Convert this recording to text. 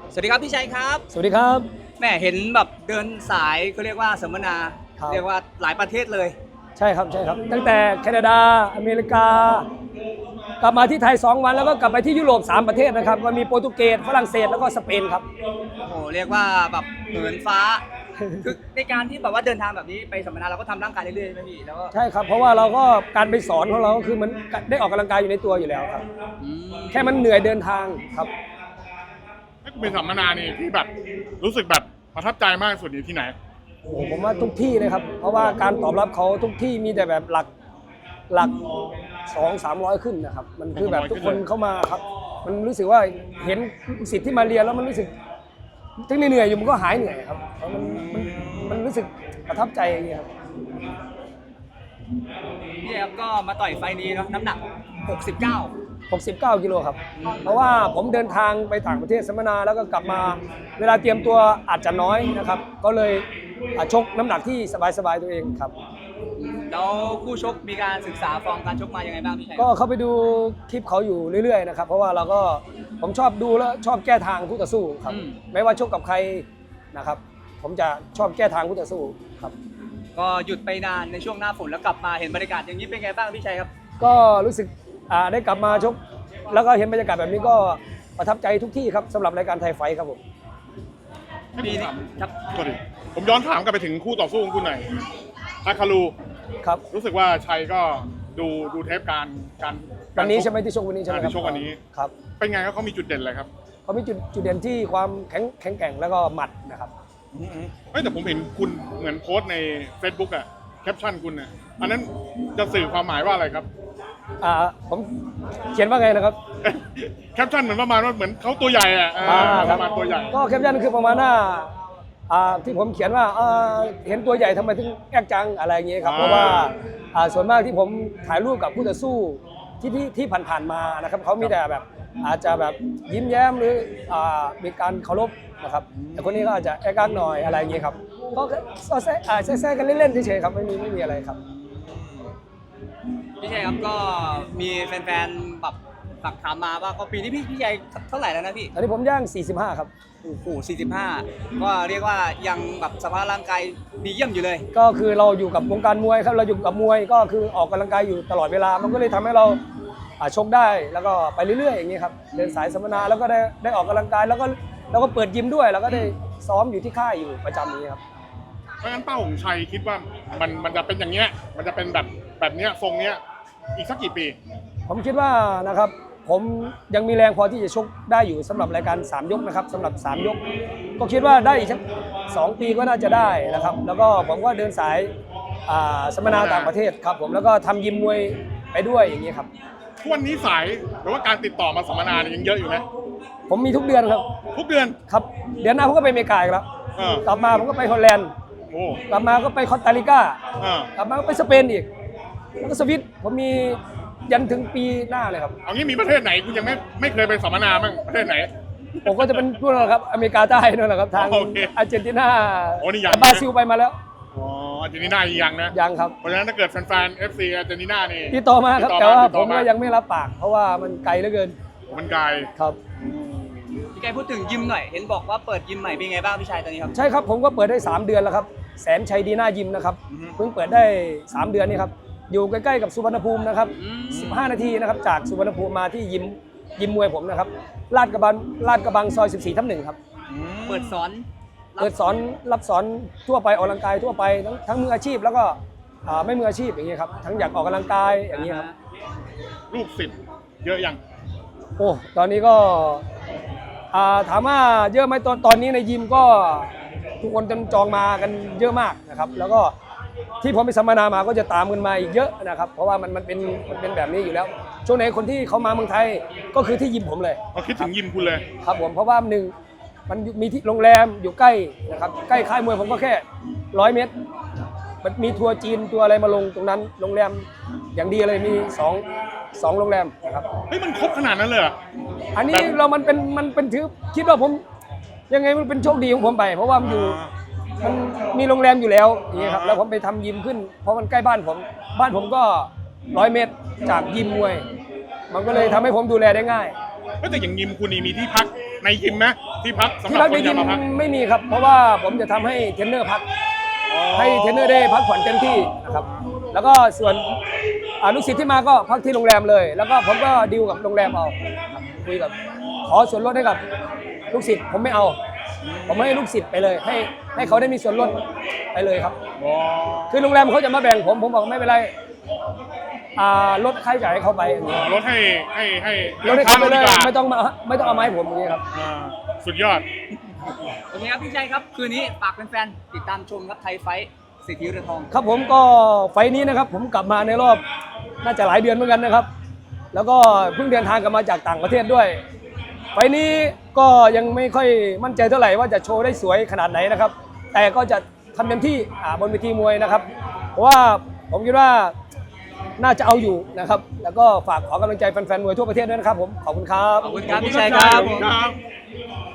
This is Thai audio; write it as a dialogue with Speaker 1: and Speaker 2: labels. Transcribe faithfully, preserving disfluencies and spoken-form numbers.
Speaker 1: สวัสดีครับพี่ชัยครับ
Speaker 2: สวัสดีครับ
Speaker 1: แม่เห็นแบบเดินสายเขาเรียกว่าสัมมนา
Speaker 2: ครับ
Speaker 1: เรียกว่าหลายประเทศเลย
Speaker 2: ใช่ครับใช่ครับตั้งแต่แคนาดาอเมริกากลับมาที่ไทยสองวันแล้วก็กลับไปที่ยุโรปสามประเทศนะครับก็มีโปรตุเกสฝรั่งเศสแล้วก็สเปนครับ
Speaker 1: โอ้โหเรียกว่าแบบเหินฟ้าคือในการที่แบบว่าเดินทางแบบนี้ไปสัมมนาเราก็ทำร่างกายเรื่อยๆใช่ไหมพี่แล้วก็
Speaker 2: ใช่ครับเพราะว่าเราก็การไปสอนของเราก็คือมันได้ออกกำลังกายอยู่ในตัวอยู่แล้วครับ
Speaker 1: อืม
Speaker 2: แค่มันเหนื่อยเดินทางครับ
Speaker 3: ถ้าเป็นสัมมนานี่ที่แบบรู้สึกแบบประทับใจมากสุดนี่ที่ไหน
Speaker 2: โอ้ผมว่าทุกที่เลยครับเพราะว่าการตอบรับเขาทุกที่มีแต่แบบหลักหลักสองสามร้อยขึ้นนะครับมันคือแบบทุกคนเข้ามาครับมันรู้สึกว่าเห็นสิทธิ์ที่มาเรียนแล้วมันรู้สึกถึงเหนื่อยอยู่มันก็หายเหนื่อยครับเพราะมันมันมันรู้สึกประทับใจอย่างเงี้ยครับ
Speaker 1: พี่ครับก็มาต่อยไฟนี้เนาะน้ำหนักหกสิบเก้า
Speaker 2: หกสิบเก้ากิโลครับเพราะว่าผมเดินทางไปต่างประเทศสัมมนาแล้วก็กลับมาเวลาเตรียมตัวอาจจะน้อยนะครับก็เลยชกน้ำหนักที่สบายๆตัวเองครับ
Speaker 1: แล้วคู่ชกมีการศึกษาฟอร์มการชกมายังไงบ้างพี่ชัย
Speaker 2: ก็เข้าไปดูคลิปเขาอยู่เรื่อยๆนะครับเพราะว่าเราก็ผมชอบดูแล้วชอบแก้ทางคู่ต่อสู้ครับไม่ว่าชกกับใครนะครับผมจะชอบแก้ทางคู่ต่อสู้ครับ
Speaker 1: ก็หยุดไปนานในช่วงหน้าฝนแล้วกลับมาเห็นบรรยากาศอย่างนี้เป็นไงบ้างพี่ชัยครับ
Speaker 2: ก็รู้สึกได้กลับมาชกแล้วก็เห็นบรรยากาศแบบนี้ก็ประทับใจทุกที่ครับสำหรับรายการไทยไฟท์ครับผม
Speaker 1: ปีนี้ครับ
Speaker 3: สวัสดีผมย้อนถามกลับไปถึงคู่ต่อสู้ของคุณหน่อยอาคารู
Speaker 2: ครับ
Speaker 3: รู้สึกว่าชัยก็ดูดูเทปการการ
Speaker 2: วันนี้ใช่ไหมที่ชกวันนี้ใช่ไหมครับ
Speaker 3: ที่ชกวันนี้
Speaker 2: ครับ
Speaker 3: เป็นไงเขามีจุดเด่นอะไรครับ
Speaker 2: เขามีจุดจุดเด่นที่ความแข็งแข็งแกร่งแล้วก็หมัดนะครับ
Speaker 3: ไม่แต่ผมเห็นคุณเหมือนโพสต์ใน Facebook อะแคปชั่นคุณอะอันนั้นจะสื่อความหมายว่าอะไรครับ
Speaker 2: อ่าผมเขียนว่าไงนะครับ
Speaker 3: แคปชั่นเหมือนประมาณว่าเหมือนเขาตัวใหญ่อะประมาณตัวใหญ่
Speaker 2: ก็แคปชั่นคือประมาณหน้าที่ผมเขียนว่าเห็นตัวใหญ่ทำไมถึงแอกจังอะไรอย่างเงี้ยครับเพราะว่าส่วนมากที่ผมถ่ายรูปกับผู้ต่อสู้ที่ที่ที่ผ่านๆมานะครับเขามีแต่แบบอาจจะแบบยิ้มแย้มหรือมีการเคารพนะครับแต่คนนี้ก็อาจจะแอกจังหน่อยอะไรอย่างเงี้ยครับก็แซ่แซ่กันเล่นๆเฉยๆครับไม่มีไม่มีอะไรครับ
Speaker 1: พี่ชัยครับก็มีแฟนๆแบบฝากถามมาว่าก็ปีนี้พี่พี่ชัยเท่าไหร่แล้วนะพี่
Speaker 2: ตอนนี้ผมย่างสี่สิบห้าครับ
Speaker 1: โอ้โหสี่สิบห้าก็เรียกว่ายังแบบสภาพร่างกายดีเยี่ยมอยู่เลย
Speaker 2: ก็คือเราอยู่กับวงการมวยครับเราอยู่กับมวยก็คือออกกำลังกายอยู่ตลอดเวลามันก็เลยทำให้เราชกได้แล้วก็ไปเรื่อยๆอย่างนี้ครับเดินสายสัมมนาแล้วก็ได้ได้ออกกำลังกายแล้วก็แล้วก็เปิดยิมด้วยแล้วก็ได้ซ้อมอยู่ที่ค่ายอยู่ประจำนี้ครับ
Speaker 3: เพราะงั้นเป้าของชัยคิดว่ามันมันจะเป็นอย่างเงี้ยมันจะเป็นแบบแบบเนี้ยทรงเนี้ยอีกสักกี่ปี
Speaker 2: ผมคิดว่านะครับผมยังมีแรงพอที่จะชกได้อยู่สำหรับรายการสามยกนะครับสำหรับสามยกก็คิดว่าได้อีกสักสองปีก็น่าจะได้นะครับแล้วก็ผมก็เดินสายสัมมนาต่างประเทศครับผมแล้วก็ทำยิมมวยไปด้วยอย่างนี้ครับ
Speaker 3: ทุกวันนี้สายหรือว่าการติดต่อมาสัมมนายังเยอะอยู่ไหม
Speaker 2: ผมมีทุกเดือนครับ
Speaker 3: ทุกเดือน
Speaker 2: ครับเดือนหน้าผมก็ไปอเมริกาอีกแล้วกลับมาผมก็ไปฮอลแลนด์กลับมาก็ไปคอสตาริกากลับมาก็ไปสเปนอีกแล้วก็สวิตผมมียันถึงปีหน้าเลยครับ
Speaker 3: เอางี้มีประเทศไหนคุณยังไม่ไม่เคยไปสัมมนาบ้างประเทศไหน
Speaker 2: ผมก็จะเป็นพวกนั้นครับอเมริกาใต้นั่นแหละครับทางอาร์เจนตินาบราซิลไปมาแล้ว
Speaker 3: อ๋ออาร์เจนตินายังนะ
Speaker 2: ยังครับ
Speaker 3: เพราะฉะนั้นถ้าเกิดแฟนๆ เอฟ ซี อาร์เจนตินานี่
Speaker 2: ติดต่อมาครับแต่ว่าผมก็ยังไม่รับปากเพราะว่ามันไกลเหลือเกิน
Speaker 3: มันไกล
Speaker 2: ครับ
Speaker 1: พี่ไก่พูดถึงยิมหน่อยเห็นบอกว่าเปิดยิมใหม่เป็นไงบ้างพี่ชัยตอนนี้ครับ
Speaker 2: ใช่ครับผมก็เปิดได้สามเดือนแล้วครับแสนชัยดีน่ายิมนะครับเพิ่งเปิดได้สามเดือนนี่ครับอยู่ใกล้ๆกับสุวรรณภูมินะครับสิบห้านาทีนะครับจากสุวรรณภูมิมาที่ยิมยิมมวยผมนะครับลาดกระบังลาดกระบังซอยสิบสี่ทับหนึ่งครับ
Speaker 1: เปิดสอน
Speaker 2: เปิดสอนรับสอนทั่วไปออกกำลังกายทั่วไปทั้งทั้งมืออาชีพแล้วก็ไม่มืออาชีพอย่างเงี้ยครับทั้งอยากออกกำลังกายอย่างเงี้ยครับ
Speaker 3: ลูกศิษย์เยอะยัง
Speaker 2: โอ้ตอนนี้ก็ถามว่าเยอะไหมตอนตอนนี้ในยิมก็ทุกคนจองมากันเยอะมากนะครับแล้วก็ที่ผมไปสัมมนามาก็จะตามกันมาอีกเยอะนะครับเพราะว่ามันมันเป็นมันเป็นแบบนี้อยู่แล้วช่วงไหนคนที่เขามาเมืองไทยก็คือที่ยิมผมเลย
Speaker 3: เขาคิดถึงยิมคุณเลย
Speaker 2: ครับผมเพราะว่าหนึ่งมันมีที่โรงแรมอยู่ใกล้นะครับใกล้ค่ายมวยผมก็แค่ร้อยเมตรมันมีทัวร์จีนตัวอะไรมาลงตรงนั้นโรงแรมอย่างดีเลยมีสองสองโรงแรมนะครับ
Speaker 3: เฮ้ยมันครบขนาดนั้นเลย
Speaker 2: อันนี้เรามันเป็นมันเป็นถือคิดว่าผมยังไงมันเป็นโชคดีของผมไปเพราะว่ามันอยู่มันมีโรงแรมอยู่แล้วอย่างนี้ครับแล้วผมไปทำยิมขึ้นเพราะมันใกล้บ้านผมบ้านผมก็ร้อยเมตรจากยิมมวยมันก็เลยทำให้ผมดูแลได้ง่าย
Speaker 3: แต่อย่างยิมคุณนี่มีที่พักในยิมไหมที่พักสำห
Speaker 2: ที่
Speaker 3: รับ
Speaker 2: พัก
Speaker 3: ค
Speaker 2: ใน
Speaker 3: น
Speaker 2: ยิ
Speaker 3: จะ
Speaker 2: ม
Speaker 3: มาพัก
Speaker 2: ไม่มีครับ เพราะว่าผมจะทำให้เทรนเนอร์พัก ให้เทรนเนอร์ได้พักผ่อนเต็มที่นะครับ แล้วก็ส่วนอ่าลูกศิษย์ที่มาก็พักที่โรงแรมเลย แล้วก็ผมก็ดีลกับโรงแรมเอาครับคุยกับขอส่วนลดให้กับลูกศิษย์ผมไม่เอา ผมให้ลูกศิษย์ไปเลย ให้ให้เขาได้มีส่วนลดไปเลยครับ คือโรงแรมเขาจะมาแบ่งผมผมบอกไม่เป็นไรอ่าลดค่าใช้จ่ายให้เขาไปอย่างนี้
Speaker 3: ลดให้ให้ให้
Speaker 2: ลดให้เขาไปเลย
Speaker 3: ดีกว่า
Speaker 2: ไม่ต้องมาไม่ต้องเอามาให้ผมอย่างนี้ครับ
Speaker 3: อ่าสุดยอด
Speaker 1: โอเคครับพี่ชัยครับคืนนี้ฝากแฟนๆติดตามชมครับไทยไฟท์สิทธิเรือทอง
Speaker 2: ครับผมก็ไฟล์นี้นะครับ ผมกลับมาในรอบน่าจะหลายเดือนเหมือนกันนะครับ แล้วก็เพิ่งเดินทางกลับมาจากต่างประเทศด้วย ไฟล์นี้ก็ยังไม่ค่อยมั่นใจเท่าไหร่ว่าจะโชว์ได้สวยขนาดไหนนะครับ แต่ก็จะทำเต็มที่อ่าบนเวทีมวยนะครับ เพราะว่าผมคิดว่าน่าจะเอาอยู่นะครับ แล้วก็ฝากขอกำลังใจแฟนๆมวยทั่วประเทศด้วยนะครับผมขอบคุณครับ
Speaker 1: ขอบคุณครับพี่ชัยครับ
Speaker 3: ครับ